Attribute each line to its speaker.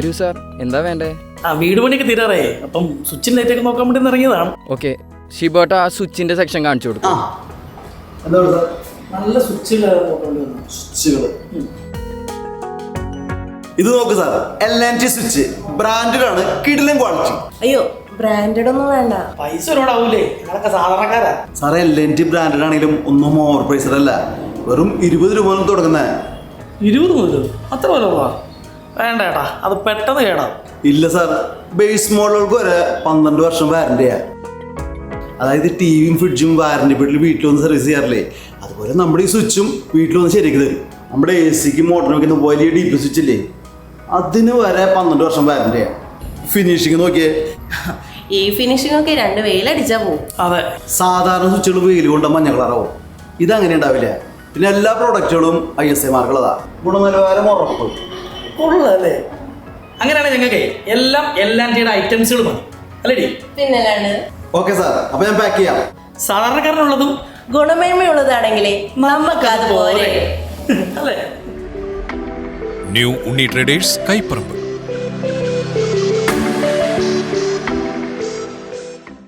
Speaker 1: വരൂ സാർ, എന്താ വേണ്ടേ?
Speaker 2: വീട് പണിയൊക്കെ തീരാറേ, അപ്പം സ്വിച്ചിൻ ലൈറ്റ് ഒക്കെ നോക്കാൻ വേണ്ടി ഇറങ്ങിയതാണ്.
Speaker 1: ഓക്കെ, ഷിബോട്ട ആ സ്വിച്ചിന്റെ സെക്ഷൻ കാണിച്ചു കൊടുക്കും.
Speaker 2: നല്ല സ്വിച്ചുകൾ.
Speaker 3: ഇത് നോക്ക് സാർ, LNT സ്വിച്ച് ബ്രാൻഡഡ് ആണ്, കിടിലൻ ക്വാളിറ്റി.
Speaker 4: അയ്യോ, ബ്രാൻഡഡ് ഒന്നും വേണ്ട.
Speaker 2: പൈസ ഒരുപാടാവൂലേ, ഞങ്ങളൊക്കെ സാധാരണക്കാരാ.
Speaker 3: സാറേ, LNT ബ്രാൻഡഡ് ആണെങ്കിലും ഒന്നും ഓവർ പ്രൈസഡ് അല്ല, വെറും 20 രൂപ മുതൽ തുടങ്ങുന്നത്.
Speaker 2: 20 മുതൽ? അത്ര പോലെ വേണ്ട ഏട്ടാ, അത് പെട്ടെന്ന് കേടാ.
Speaker 3: ഇല്ല സാർ, ബേസ് മോഡലുകൾക്ക് വരെ 12 വർഷം വാറന്റിയാ. അതായത് ടിവിയും ഫ്രിഡ്ജും വാറന്റി പീരീഡിൽ വീട്ടിൽ വന്ന് സർവീസ് ചെയ്യാറില്ലേ, അതുപോലെ നമ്മുടെ ഈ സ്വിച്ചും വീട്ടിൽ വന്ന് ശരിയാക്കി തരും. നമ്മുടെ AC മോട്ടറിന് വെക്കുന്ന വലിയ DP സ്വിച്ച് ഇല്ലേ, അതിന് വരെ 12 വർഷം വാറന്റിയാ. ഫിനിഷിങ് നോക്കിയേ,
Speaker 4: ഈ ഫിനിഷിംഗ് ഒക്കെ 2 വെയിലടിച്ചാ പോവും.
Speaker 2: അതെ,
Speaker 3: സാധാരണ സ്വിച്ചുകൾ വെയിൽ കൊണ്ട് മഞ്ഞ കളറാവും, ഇതങ്ങനെ ഉണ്ടാവില്ല. പിന്നെ എല്ലാ പ്രോഡക്റ്റുകളും ISI മാർക്കുള്ളതാ, ഗുണനിലവാരം ഉറപ്പ്.
Speaker 2: കൊള്ളല്ലേ? അങ്ങനെയാണെങ്കിൽ ഞങ്ങൾക്ക് എല്ലാം LNTയുടെ ഐറ്റംസുകൾ മതി അല്ലേടി?
Speaker 4: പിന്നല്ലാണ്ട്.
Speaker 3: ഓക്കെ സാർ, അപ്പൊ ഞാൻ പാക്ക് ചെയ്യാം.
Speaker 2: സാധാരണക്കാരനുള്ളതും
Speaker 4: ഗുണമേന്മയുള്ളതാണെങ്കിലേ നമുക്ക് അത് പോരെ
Speaker 2: അല്ലേ?
Speaker 5: New Unni traders, Kaiparambu.